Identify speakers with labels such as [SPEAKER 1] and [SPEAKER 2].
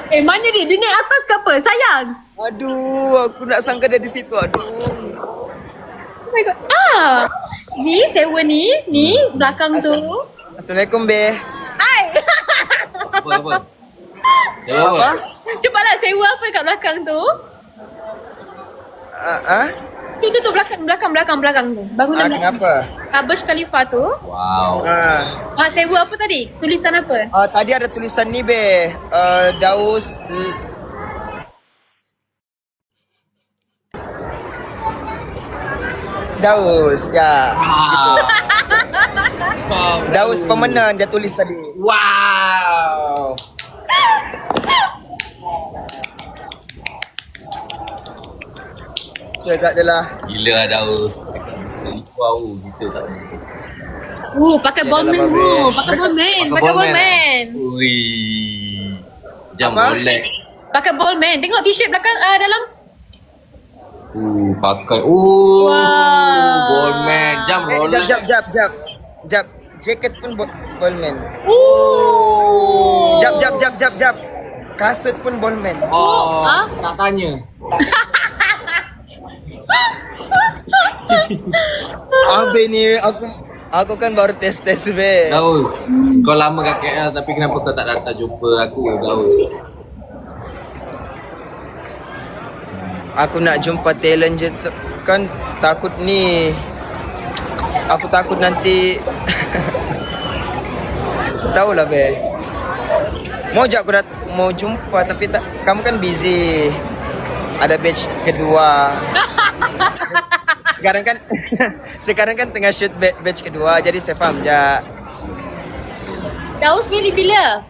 [SPEAKER 1] Mana dia? Dia naik atas ke apa? Sayang.
[SPEAKER 2] Aduh, aku nak sangka dia di situ. Aduh.
[SPEAKER 1] Oh my god. Ni sewa ni belakang tu.
[SPEAKER 2] Assalamualaikum, Be.
[SPEAKER 1] Hai.
[SPEAKER 3] Apa?
[SPEAKER 2] Apa?
[SPEAKER 1] Cepatlah sewa apa kat belakang tu? Tu belakang tu. Bangunan belakang.
[SPEAKER 2] Kenapa?
[SPEAKER 1] Burj Khalifa tu.
[SPEAKER 3] Wow.
[SPEAKER 1] Sewa apa tadi? Tulisan apa?
[SPEAKER 2] Tadi ada tulisan ni, Be. Daus ya. Daus pemenang dia tulis tadi.
[SPEAKER 3] Wow.
[SPEAKER 2] Tak adalah.
[SPEAKER 3] Gila lah Daus. Wow, kita tak boleh.
[SPEAKER 1] Pakai ballman tu. Pakai ballman.
[SPEAKER 3] Ui. Jam
[SPEAKER 2] Apa?
[SPEAKER 3] boleh.
[SPEAKER 1] Pakai ballman. Tengok t-shirt belakang dalam.
[SPEAKER 3] Pakai.
[SPEAKER 1] Wow.
[SPEAKER 3] Ballman. Jam Rolex.
[SPEAKER 2] Jap. Jaket pun ballman.
[SPEAKER 1] Oh.
[SPEAKER 2] Jap. Kasut pun ballman.
[SPEAKER 3] Tak tanya.
[SPEAKER 2] Abe ni aku kan baru tes Be.
[SPEAKER 3] Daus, kau lama kat KL tapi kenapa kau tak datang jumpa aku, Daus?
[SPEAKER 2] Aku nak jumpa talent je kan takut ni. Aku takut nanti tahulah, Be. Mau jumpa tapi tak, kamu kan busy. Ada batch kedua. Sekarang kan tengah shoot batch kedua, jadi saya faham je.
[SPEAKER 1] Daus pilih bila?